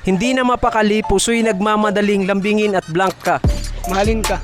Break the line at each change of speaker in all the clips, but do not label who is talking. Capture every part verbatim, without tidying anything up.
Hindi na mapakali, puso'y nagmamadaling lambingin at blank ka.
Mahalin ka.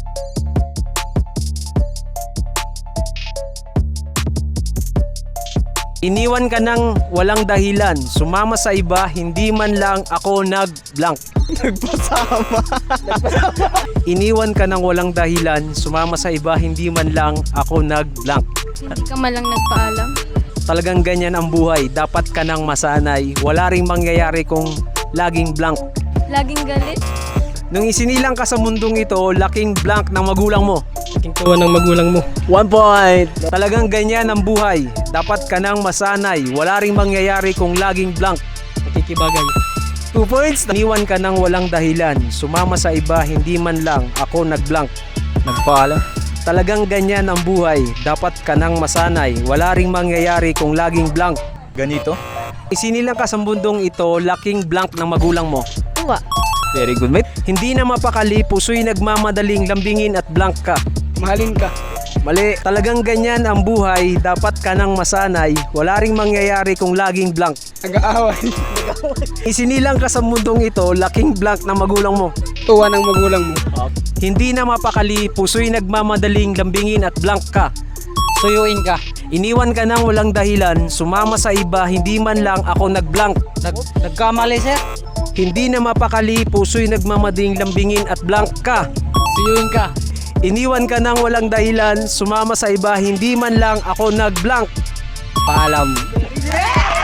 Iniwan ka ng walang dahilan, sumama sa iba, hindi man lang ako nag-blank.
Nagpasama.
Iniwan ka ng walang dahilan, sumama sa iba, hindi man lang ako nag-blank.
Hindi ka malang nagpaalam.
Talagang ganyan ang buhay, dapat ka nang masanay, wala ring mangyayari kung laging blank.
Laging galit.
Nung isinilang ka sa mundong ito, laking blank ng magulang mo.
Aking tuwa ng magulang mo.
One point! Talagang ganyan ang buhay, dapat ka nang masanay, wala ring mangyayari kung laging blank.
Nakikibagay.
Two points. Iniwan ka ng walang dahilan, sumama sa iba, hindi man lang ako nag-blank.
Nagpaalam.
Talagang ganyan ang buhay, dapat ka nang masanay, wala ring mangyayari kung laging blank.
Ganito.
Isinilang ka sa mundong ito, laking blank ng magulang mo.
Tuwa.
Very good, mate. Hindi na mapakali, puso'y nagmamadaling lambingin at blank ka.
Mahalin ka.
Mali, talagang ganyan ang buhay, dapat ka nang masanay, wala ring mangyayari kung laging blank.
Nag-aaway.
Isinilang ka sa mundong ito, laking blank ng magulang mo.
Tuwa ng magulang mo.
Hindi na mapakali, puso'y nagmamadaling lambingin at blank ka.
Suyuin ka.
Iniwan ka ng walang dahilan, sumama sa iba, hindi man lang ako nag-blank.
Nag nagkamali, sir.
Hindi na mapakali, puso'y nagmamadaling lambingin at blank ka.
Suyuin ka.
Iniwan ka ng walang dahilan, sumama sa iba, hindi man lang ako nag-blank.
Paalam.